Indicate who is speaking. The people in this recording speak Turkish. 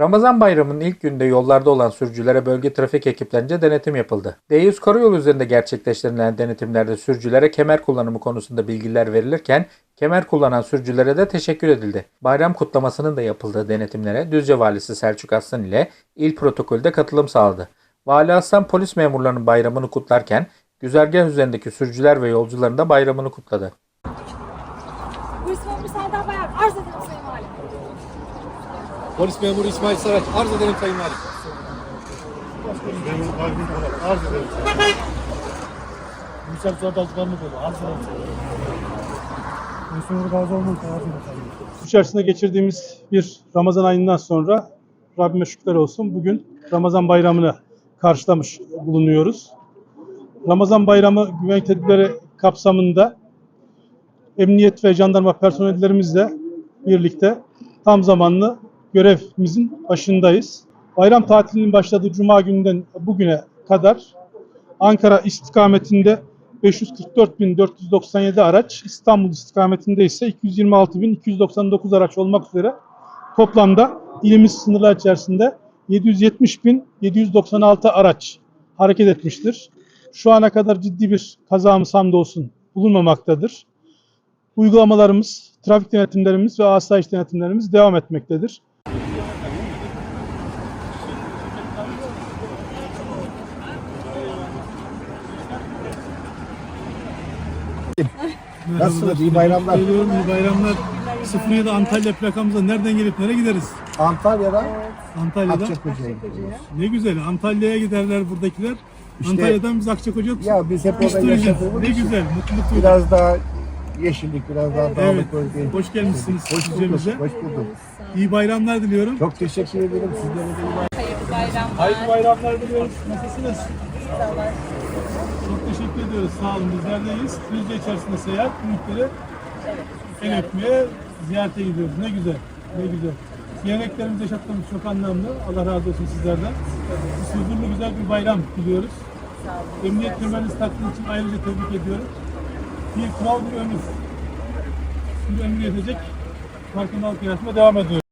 Speaker 1: Ramazan bayramının ilk günde yollarda olan sürücülere bölge trafik ekiplerince denetim yapıldı. D100 karayolu üzerinde gerçekleştirilen denetimlerde sürücülere kemer kullanımı konusunda bilgiler verilirken kemer kullanan sürücülere de teşekkür edildi. Bayram kutlamasının da yapıldığı denetimlere Düzce Valisi Selçuk Aslan ile il protokolde katılım sağladı. Vali Aslan polis memurlarının bayramını kutlarken güzergah üzerindeki sürücüler ve yolcuların da bayramını kutladı.
Speaker 2: Bu ismi Serdar Bayar. Arz ederim Sayın Valim.
Speaker 3: Polis memuru İsmail Saraç. Arz ederim Sayın Valim.
Speaker 4: Memuru kalbim olarak arz ederim. Yüksel Suat Altıkanlık olur. Arz ederim. Memuru Gazi olmak arz ederim. İçerisinde geçirdiğimiz bir Ramazan ayından sonra Rabbime şükürler olsun. Bugün Ramazan bayramını karşılamış bulunuyoruz. Ramazan bayramı güvenlik tedbirleri kapsamında emniyet ve jandarma personellerimizle birlikte tam zamanlı görevimizin başındayız. Bayram tatilinin başladığı Cuma gününden bugüne kadar Ankara istikametinde 544.497 araç, İstanbul istikametinde ise 226.299 araç olmak üzere toplamda ilimiz sınırlar içerisinde 770.796 araç hareket etmiştir. Şu ana kadar ciddi bir kazamız hamdolsun bulunmamaktadır. Uygulamalarımız, trafik denetimlerimiz ve asayiş denetimlerimiz devam etmektedir.
Speaker 5: Nasılsınız? İyi bayramlar.
Speaker 4: Geliyorum, iyi bayramlar. 07 Antalya plakamıza nereden gelip nereye gideriz?
Speaker 5: Antalya'dan
Speaker 4: Antalya'dan.
Speaker 5: Akçakoca'ya gidiyoruz.
Speaker 4: Ne güzel. Antalya'ya giderler buradakiler.
Speaker 5: İşte-
Speaker 4: Antalya'dan biz Akçakoca
Speaker 5: Ya biz hep orada
Speaker 4: isteyeceğiz.
Speaker 5: yaşadığımız
Speaker 4: Ne
Speaker 5: için
Speaker 4: güzel. Mutluluk duyduk.
Speaker 5: biraz daha yeşillik, biraz daha
Speaker 4: Evet.
Speaker 5: dağlık bölge.
Speaker 4: Hoş gelmişsiniz
Speaker 5: Hoş bulduk.
Speaker 4: Düzce'mize.
Speaker 5: Hoş bulduk.
Speaker 4: İyi bayramlar diliyorum.
Speaker 5: Çok teşekkür ederim. Sizlere de iyi bayramlar.
Speaker 4: Hayırlı bayramlar diliyoruz. Nasılsınız? Çok teşekkür ediyoruz. Sağ olun. Bizler de iyiyiz. Düzce içerisinde seyahat, büyükleri el öpmeye, ziyarete gidiyoruz. Ne güzel. Ne güzel. Geleneklerimizi yaşattığımız çok anlamlı. Allah razı olsun sizlerden. Huzurlu güzel bir bayram diliyoruz. Emniyet kemerinizi taktığınız için ayrıca tebrik ediyorum. Bir kural bir ömür. Bir ömür yetecek. Farkındalık yaratmaya devam ediyoruz.